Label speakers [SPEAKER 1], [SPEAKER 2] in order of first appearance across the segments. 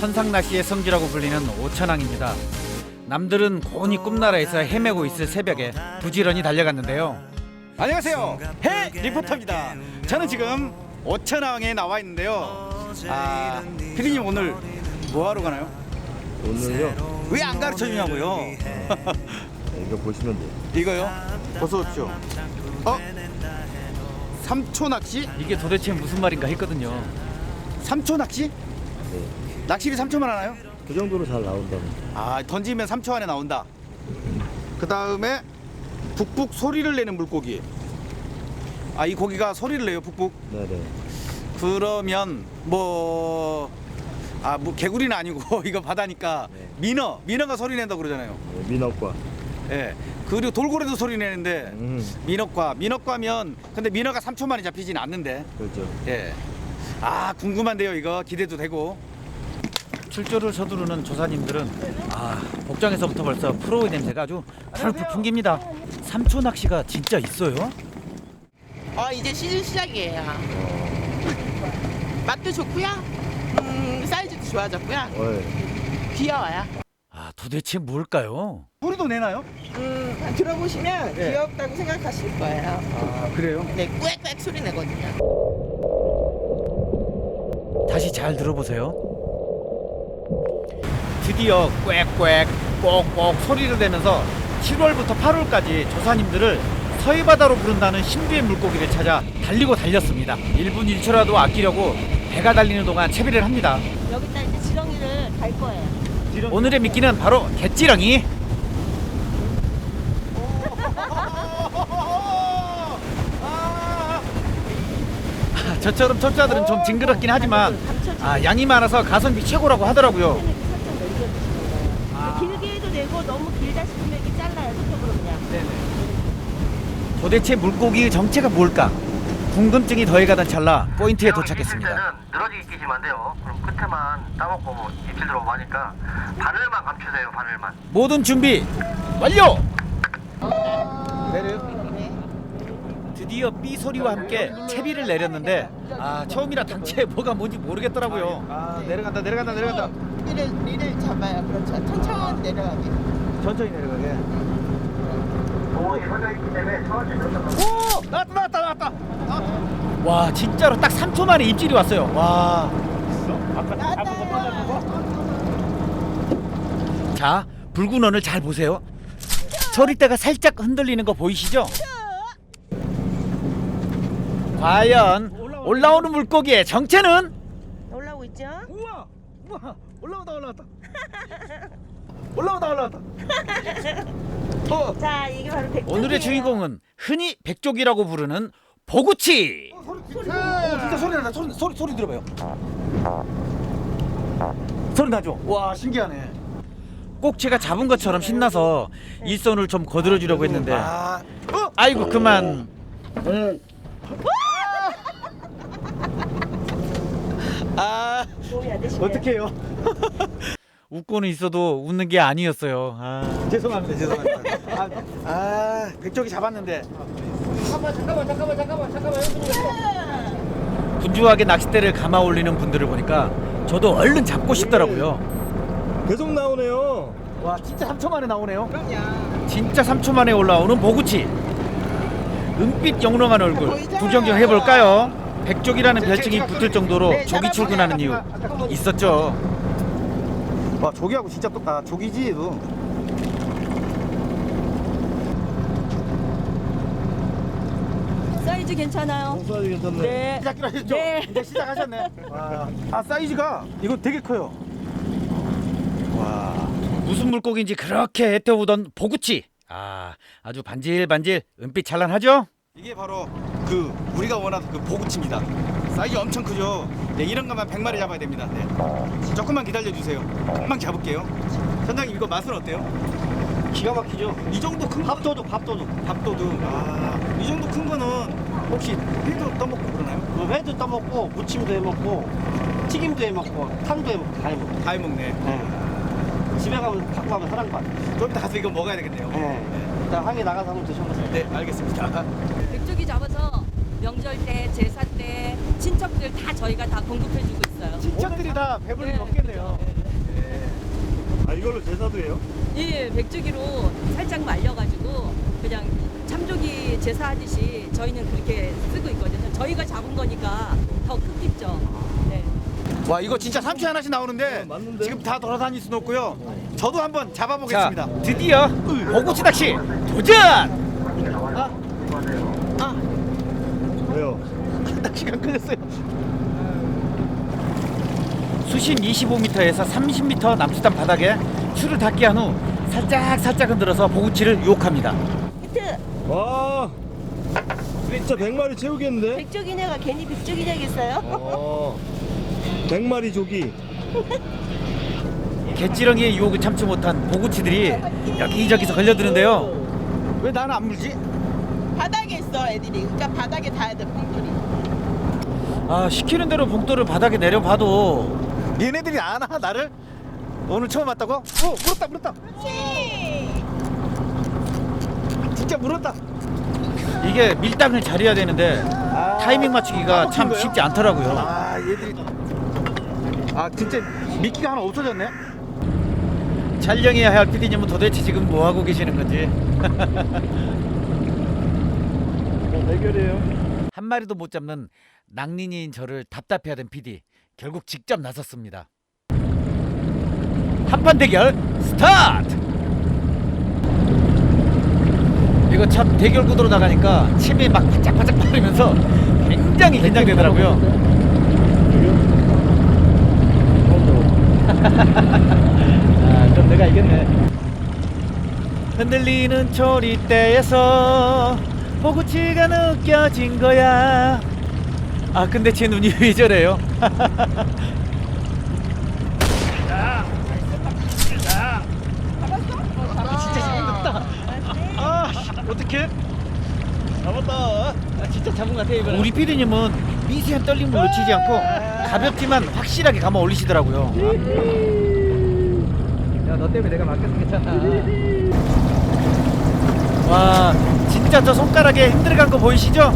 [SPEAKER 1] 선상낚시의 성지라고 불리는 오천항입니다. 남들은 고온이 꿈나라에서 헤매고 있을 새벽에 부지런히 달려갔는데요.
[SPEAKER 2] 안녕하세요, 해 리포터입니다. 저는 지금 오천항에 나와 있는데요. 피디님 오늘 뭐 하러 가나요?
[SPEAKER 3] 오늘요?
[SPEAKER 2] 왜 안 가르쳐 주냐고요?
[SPEAKER 3] 이거 보시면 돼요.
[SPEAKER 2] 이거요? 어서 오십시오. 삼초 낚시?
[SPEAKER 1] 이게 도대체 무슨 말인가 했거든요.
[SPEAKER 2] 삼초 낚시?
[SPEAKER 3] 네.
[SPEAKER 2] 낚시비 3초만 하나요?
[SPEAKER 3] 그 정도로 잘 나온다면.
[SPEAKER 2] 던지면 3초 안에 나온다. 그 다음에 북북 소리를 내는 물고기. 이 고기가 소리를 내요, 북북.
[SPEAKER 3] 네네.
[SPEAKER 2] 그러면 뭐 개구리는 아니고 이거 바다니까
[SPEAKER 3] 네.
[SPEAKER 2] 민어가 소리 낸다고 그러잖아요.
[SPEAKER 3] 네, 민어과.
[SPEAKER 2] 예. 그리고 돌고래도 소리 내는데 민어과면 근데 민어가 3초 만에 잡히진 않는데.
[SPEAKER 3] 그렇죠.
[SPEAKER 2] 예. 궁금한데요, 이거 기대도 되고.
[SPEAKER 1] 출조를 서두르는 조사님들은 복장에서부터 벌써 프로의 냄새가 아주 풀풀 풍깁니다. 삼초 낚시가 진짜 있어요?
[SPEAKER 4] 이제 시즌 시작이에요. 맛도 좋고요. 사이즈도 좋아졌고요.
[SPEAKER 3] 네.
[SPEAKER 4] 귀여워요.
[SPEAKER 1] 도대체 뭘까요?
[SPEAKER 2] 소리도 내나요?
[SPEAKER 4] 들어보시면
[SPEAKER 2] 네.
[SPEAKER 4] 귀엽다고 생각하실 거예요.
[SPEAKER 2] 그래요?
[SPEAKER 4] 네, 꾸액꾸액 소리 내거든요.
[SPEAKER 1] 다시 잘 들어보세요. 드디어 꽥꽥 꼭꼭 소리를 내면서 7월부터 8월까지 조사님들을 서해바다로 부른다는 신비의 물고기를 찾아 달리고 달렸습니다. 1분 1초라도 아끼려고 배가 달리는 동안 채비를 합니다.
[SPEAKER 5] 여기다 이제 지렁이를 달 거예요.
[SPEAKER 1] 오늘의 미끼는 바로 갯지렁이. 저처럼 초짜들은 좀 징그럽긴 하지만 양이 많아서 가성비 최고라고 하더라고요.
[SPEAKER 5] 살짝 넘겨주시는 거예요. 길게 해도 되고 너무 길다 싶으면 이렇게 잘라요. 손톱으로 그냥.
[SPEAKER 1] 도대체 물고기의 정체가 뭘까? 궁금증이 더해가던 찰나 포인트에
[SPEAKER 6] 입질
[SPEAKER 1] 도착했습니다.
[SPEAKER 6] 때는 늘어지게 끼시면 안 돼요. 그럼 끝에만 따먹고 입질 들어오고 하니까 바늘만 감추세요. 바늘만.
[SPEAKER 1] 모든 준비 완료!
[SPEAKER 2] 내려요?
[SPEAKER 1] 드디어 삐 소리와 함께 채비를 내렸는데 처음이라 당최 뭐가 뭔지 모르겠더라고요.
[SPEAKER 2] 내려간다.
[SPEAKER 4] 리를 잡아요. 그렇죠. 천천히 내려가게.
[SPEAKER 2] 천천히 내려가게.
[SPEAKER 6] 공원이 서져 있기 때문에 천천히 들어가.
[SPEAKER 2] 나왔다.
[SPEAKER 1] 와 진짜로 딱 3초 만에 입질이 왔어요. 와. 자 붉은 원을 잘 보세요. 소리대가 살짝 흔들리는 거 보이시죠? 과연 올라오는 물고기의 정체는?
[SPEAKER 5] 올라오고 있죠?
[SPEAKER 2] 우와 올라왔다.
[SPEAKER 5] 자, 이게 바로 백조기예요.
[SPEAKER 1] 오늘의 주인공은 흔히 백조기라고 부르는 보구치.
[SPEAKER 2] 진짜 소리 난다. 소리 들어봐요. 소리 나죠? 와, 신기하네.
[SPEAKER 1] 꼭지가 잡은 것처럼 신나서 일선을 좀 거들어 주려고 했는데 아이고 그만.
[SPEAKER 5] 도움이 안 되시네요.
[SPEAKER 2] 어떡해요?
[SPEAKER 1] 웃고는 있어도 웃는 게 아니었어요.
[SPEAKER 2] 죄송합니다. 백조기 잡았는데.
[SPEAKER 1] 분주하게 낚싯대를 감아 올리는 분들을 보니까 저도 얼른 잡고 싶더라고요.
[SPEAKER 3] 계속 나오네요.
[SPEAKER 2] 와, 진짜 3초 만에 나오네요.
[SPEAKER 1] 진짜 3초 만에 올라오는 보구치. 은빛 영롱한 얼굴 구경 해볼까요? 백조기라는 별칭이 붙을 정도로 조기 출근하는 이유 있었죠.
[SPEAKER 2] 와, 조기하고 진짜 조기지 얘도.
[SPEAKER 5] 사이즈 괜찮아요.
[SPEAKER 3] 사이즈 괜찮네.
[SPEAKER 5] 네.
[SPEAKER 2] 시작기로 하셨죠?
[SPEAKER 5] 네.
[SPEAKER 2] 이제 시작하셨네. 와. 사이즈가 이거 되게 커요. 와.
[SPEAKER 1] 무슨 물고기인지 그렇게 애태우던 보구치. 아주 반질반질 은빛 찬란하죠?
[SPEAKER 2] 이게 바로 우리가 원하는 보구치입니다. 사이즈 엄청 크죠? 네, 이런 것만 100마리 잡아야 됩니다. 네. 조금만 기다려 주세요. 금방 잡을게요. 선장님 이거 맛은 어때요? 기가 막히죠? 이 정도 큰 밥도둑. 이 정도 큰 거는 혹시 회도 떠먹고 그러나요?
[SPEAKER 7] 회도 떠먹고 무침도 해먹고 튀김도 해먹고 탕도 해먹고 다 해먹고.
[SPEAKER 2] 다 해먹네.
[SPEAKER 7] 집에 가면 갖고 가면 사랑받아.
[SPEAKER 2] 좀 이따 가서 이거 먹어야 되겠네요.
[SPEAKER 7] 일단 항해 나가서 한번 드셔보세요.
[SPEAKER 2] 네, 알겠습니다.
[SPEAKER 8] 백조기 잡아서 명절 때, 제사 때 친척들 다 저희가 다 공급해주고 있어요.
[SPEAKER 2] 친척들이 다 배불리 먹겠네요.
[SPEAKER 3] 이걸로 제사도 해요?
[SPEAKER 8] 이 백조기로 살짝 말려가지고 그냥 참조기 제사하듯이 저희는 그렇게 쓰고 있거든요. 저희가 잡은 거니까 더 크겠죠. 네.
[SPEAKER 2] 와 이거 진짜 삼치 하나씩 나오는데
[SPEAKER 3] 맞는데?
[SPEAKER 2] 지금 다 돌아다닐 수는 없고요. 저도 한번 잡아보겠습니다.
[SPEAKER 1] 자, 드디어 보구치 낚시 도전!
[SPEAKER 3] 왜요?
[SPEAKER 2] 시간 끌렸어요.
[SPEAKER 1] 수심 25m에서 30m 남수단 바닥에 줄을 닿게 한 후 살짝 흔들어서 보구치를 유혹합니다.
[SPEAKER 5] 히트!
[SPEAKER 3] 와, 진짜 100마리 채우겠는데?
[SPEAKER 5] 백조기냐가 괜히 백조기냐겠어요?
[SPEAKER 3] 100마리 조기.
[SPEAKER 1] 갯지렁이의 유혹을 참지 못한 보구치들이 여기저기서 걸려드는데요.
[SPEAKER 2] 왜 나는 안 물지?
[SPEAKER 4] 바닥에 있어 애들이. 그러니까 바닥에 닿아야 돼 뽕돌이.
[SPEAKER 1] 아, 시키는 대로 봉돌을 바닥에 내려봐도
[SPEAKER 2] 얘네들이 아나 나를? 오늘 처음 왔다고? 물었다. 진짜 물었다.
[SPEAKER 1] 이게 밀당을 잘해야 되는데 타이밍 맞추기가 참
[SPEAKER 2] 거예요?
[SPEAKER 1] 쉽지 않더라고요.
[SPEAKER 2] 아 얘들이 진짜 미끼가 하나 없어졌네.
[SPEAKER 1] 촬영해야 할 PD님은 도대체 지금 뭐 하고 계시는 건지.
[SPEAKER 3] 대결이에요.
[SPEAKER 1] 한 마리도 못 잡는 낭린이인 저를 답답해하던 PD 결국 직접 나섰습니다. 한판 대결 스타트! 이거 참 대결 구도로 나가니까 침이 막 바짝바짝 마르면서 굉장히 긴장되더라고요. 그럼 내가 이겼네. 흔들리는 초리대에서 보구치가 느껴진 거야. 아 근데 제 눈이 왜 저래요?
[SPEAKER 2] 어떻게?
[SPEAKER 1] 잡았다. 진짜 잡은 것 같아 이거. 우리 PD님은 미세한 떨림을 놓치지 않고 가볍지만 확실하게 감아 올리시더라고요. 야 너 때문에 내가 맡겨서 괜찮아. 와 진짜 저 손가락에 힘들어간 거 보이시죠?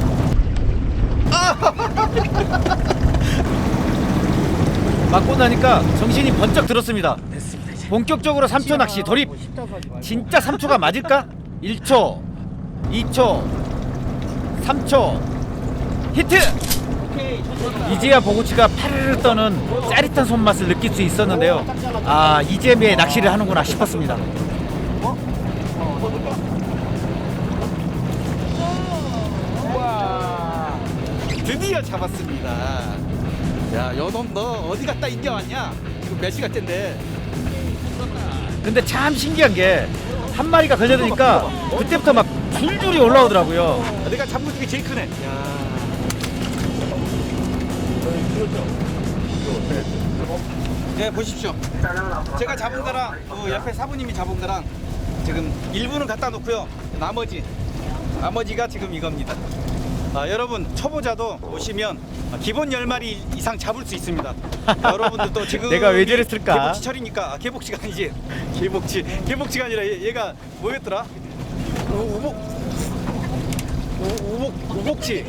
[SPEAKER 1] 맞고 나니까 정신이 번쩍 들었습니다. 본격적으로 3초 낚시 돌입. 진짜 3초가 맞을까? 1초 2초 3초 히트! 이제야 보구치가 파르르 떠는 짜릿한 손맛을 느낄 수 있었는데요. 아 이제 매 낚시를 하는구나 싶었습니다.
[SPEAKER 2] 드디어 잡았습니다. 야, 여놈 너 어디 갔다 인겨왔냐? 지금 몇 시간째인데?
[SPEAKER 1] 근데 참 신기한 게 한 마리가 걸려드니까 그때부터 막 줄줄이 올라오더라고요.
[SPEAKER 2] 내가 잡은 것 중에 제일 크네. 네, 보십시오. 제가 잡은 거랑 그 옆에 사부님이 잡은 거랑 지금 일부는 갖다 놓고요. 나머지가 지금 이겁니다. 여러분 초보자도 오시면 기본 10마리 이상 잡을 수 있습니다. 여러분들도 지금
[SPEAKER 1] 내가 왜 저랬을까?
[SPEAKER 2] 개복치 철이니까 개복치가 아니지. 개복치가 아니라 얘가 뭐였더라? 우복치.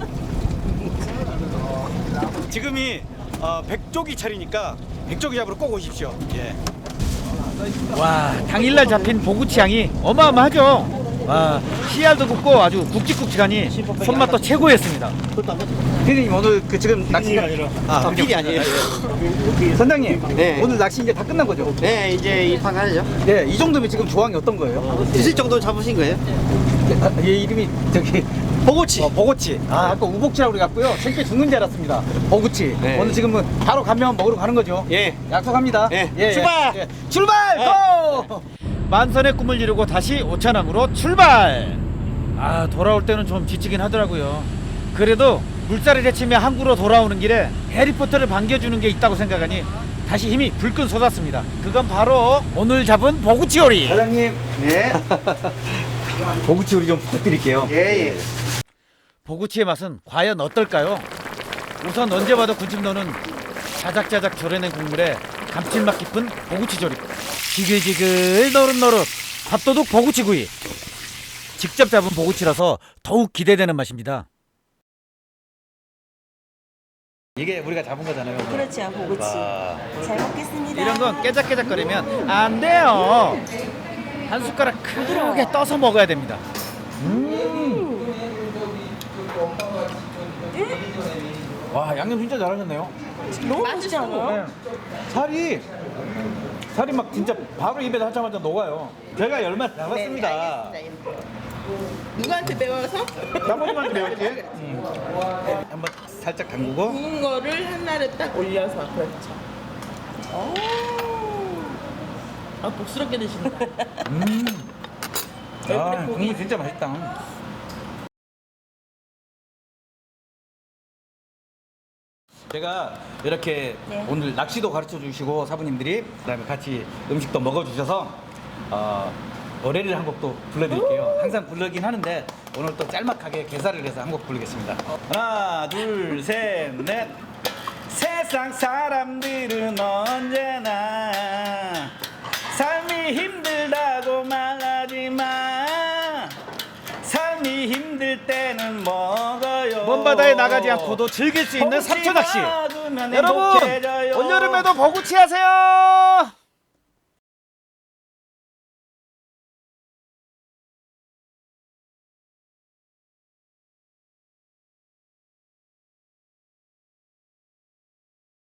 [SPEAKER 2] 지금이 백조기 철이니까 백조기 잡으러 꼭 오십시오. 예.
[SPEAKER 1] 와 당일날 잡힌 보구치 양이 어마어마하죠. 와 씨알도 굵고 아주 굵직굵직하니 손맛도 최고였습니다.
[SPEAKER 2] 피디님 오늘 그 지금 낚시가
[SPEAKER 3] 아니라.
[SPEAKER 2] 필이 아니에요. 선장님
[SPEAKER 7] 네.
[SPEAKER 2] 오늘 낚시 이제 다 끝난 거죠?
[SPEAKER 7] 네, 이제 입항 하죠.
[SPEAKER 2] 네, 이 정도면 지금 조항이 어떤 거예요?
[SPEAKER 7] 드실 정도 잡으신 거예요?
[SPEAKER 2] 얘 이름이 저기 보고치. 보고치. 아까 우복치라고 그래갖고요. 생태 죽는 줄 알았습니다. 보고치.
[SPEAKER 7] 네.
[SPEAKER 2] 오늘 지금은 바로 가면 먹으러 가는 거죠?
[SPEAKER 7] 예.
[SPEAKER 2] 약속합니다.
[SPEAKER 7] 예. 출발!
[SPEAKER 2] 예. 출발! 고!
[SPEAKER 1] 만선의 꿈을 이루고 다시 오차남으로 출발. 아 돌아올 때는 좀 지치긴 하더라고요. 그래도 물살을 헤치며 항구로 돌아오는 길에 해리포터를 반겨주는 게 있다고 생각하니 다시 힘이 불끈 솟았습니다. 그건 바로 오늘 잡은 보구치 요리.
[SPEAKER 2] 사장님.
[SPEAKER 7] 네.
[SPEAKER 2] 보고치 요리 좀 부탁드릴게요.
[SPEAKER 7] 예.
[SPEAKER 1] 보구치의 맛은 과연 어떨까요? 우선 언제 봐도 군침 도는 자작자작 절여낸 국물에 감칠맛 깊은 보구치 조림, 지글지글 노릇노릇 밥도둑 보구치구이. 직접 잡은 보구치라서 더욱 기대되는 맛입니다. 이게 우리가 잡은 거잖아요.
[SPEAKER 5] 그렇죠, 보고치.
[SPEAKER 1] 와.
[SPEAKER 5] 잘 먹겠습니다.
[SPEAKER 1] 이런 건 깨작깨작거리면 안 돼요. 한 숟가락 크게 떠서 먹어야 됩니다. 와, 양념 진짜 잘하셨네요.
[SPEAKER 5] 너무 맛있지 않아요?
[SPEAKER 1] 살이 막 진짜 바로 입에 하자마자 녹아요. 제가 얼마나 잡았습니다.
[SPEAKER 4] 네, 누구한테 배워서?
[SPEAKER 1] 장모님한테 배웠지? 한번 살짝 담그고.
[SPEAKER 4] 구운 거를 하나를 딱 올려서 그렇죠. 오. 아 복스럽게 드신다.
[SPEAKER 1] 아, 국물 진짜 맛있다. 제가 이렇게
[SPEAKER 5] 네.
[SPEAKER 1] 오늘 낚시도 가르쳐 주시고 사부님들이 그다음에 같이 음식도 먹어 주셔서 노래를 한 곡도 불러드릴게요. 항상 부르긴 하는데 오늘 또 짤막하게 개사를 해서 한 곡 부르겠습니다. 하나, 둘, 셋, 넷. 세상 사람들은 언제나 삶이 힘들다고 말하지 마. 삶이 힘들 때는 먹어요. 먼 바다에 나가지 않고도 즐길 수 있는 삼초 낚시. 여러분, 올여름에도 보구치 하세요.